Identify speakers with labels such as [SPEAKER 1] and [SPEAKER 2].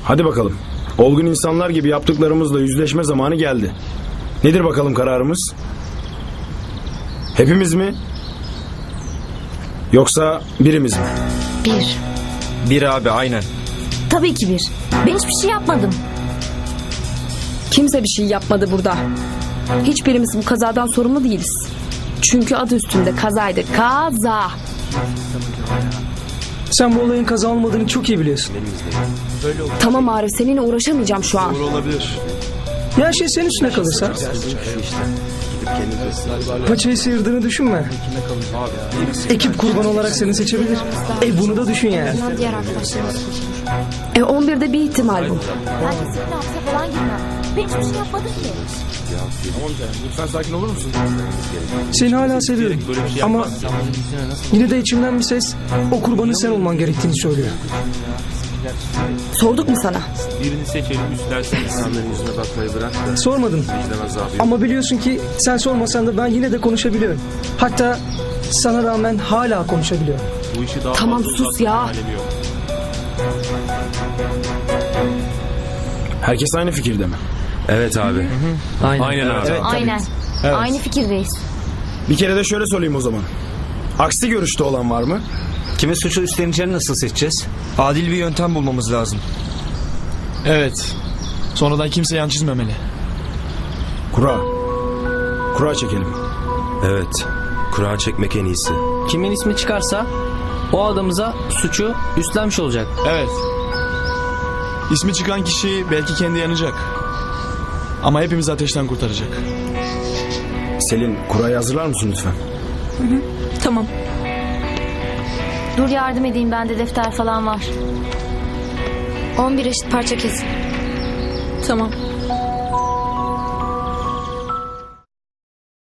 [SPEAKER 1] Hadi bakalım. Olgun insanlar gibi yaptıklarımızla yüzleşme zamanı geldi. Nedir bakalım kararımız? Hepimiz mi? Yoksa birimiz mi?
[SPEAKER 2] Bir.
[SPEAKER 3] Bir abi, aynen.
[SPEAKER 2] Tabii ki bir. Ben hiçbir şey yapmadım.
[SPEAKER 4] Kimse bir şey yapmadı burada. Hiçbirimiz bu kazadan sorumlu değiliz. Çünkü adı üstünde kazaydı. Kaza.
[SPEAKER 5] Sen bu olayın kaza olmadığını çok iyi biliyorsun.
[SPEAKER 4] Tamam Arif, seninle uğraşamayacağım şu an.
[SPEAKER 5] Ya her şey senin üstüne kalırsa? Paçayı sıyırdığını düşünme. Ekip kurban olarak seni seçebilir. Bunu da düşün yani.
[SPEAKER 2] Diğer arkadaşlarımız koşmuş.
[SPEAKER 4] 11'de bir ihtimal bu.
[SPEAKER 2] Ben kesinlikle hapse falan girmem. Ben hiçbir şey yapmadım ki.
[SPEAKER 1] Lütfen sakin olur musun?
[SPEAKER 5] Seni hala seviyorum. Ama yine de içimden bir ses o kurbanın sen olman gerektiğini söylüyor.
[SPEAKER 4] Sorduk mu sana?
[SPEAKER 6] Birini seçelim, üstlersen insanların yüzüne bakmayı bırak da.
[SPEAKER 5] Sormadım.
[SPEAKER 6] Vicdan azabı yok.
[SPEAKER 5] Ama biliyorsun ki sen sormasan da ben yine de konuşabiliyorum. Hatta sana rağmen hala konuşabiliyorum.
[SPEAKER 6] Bu işi daha
[SPEAKER 4] Tamam,
[SPEAKER 6] fazla
[SPEAKER 4] sus
[SPEAKER 6] uzatmanın
[SPEAKER 4] ya.
[SPEAKER 6] alemi yok.
[SPEAKER 1] Herkes aynı fikirde mi?
[SPEAKER 3] Evet abi.
[SPEAKER 6] Aynen abi.
[SPEAKER 2] Aynen. Aynı fikirdeyiz.
[SPEAKER 1] Bir kere de şöyle sorayım o zaman. Aksi görüşte olan var mı?
[SPEAKER 3] Kimin suçu üstleneceğini nasıl seçeceğiz? Adil bir yöntem bulmamız lazım.
[SPEAKER 7] Evet. Sonradan kimse yan çizmemeli.
[SPEAKER 1] Kura. Kura çekelim.
[SPEAKER 8] Evet. Kura çekmek en iyisi.
[SPEAKER 9] Kimin ismi çıkarsa o adamıza suçu üstlenmiş olacak.
[SPEAKER 7] Evet. İsmi çıkan kişi belki kendi yanacak. Ama hepimizi ateşten kurtaracak.
[SPEAKER 1] Selin, kurayı hazırlar mısın lütfen?
[SPEAKER 4] Tamam.
[SPEAKER 2] Dur yardım edeyim, bende defter falan var. 11 eşit parça kesin.
[SPEAKER 4] Tamam.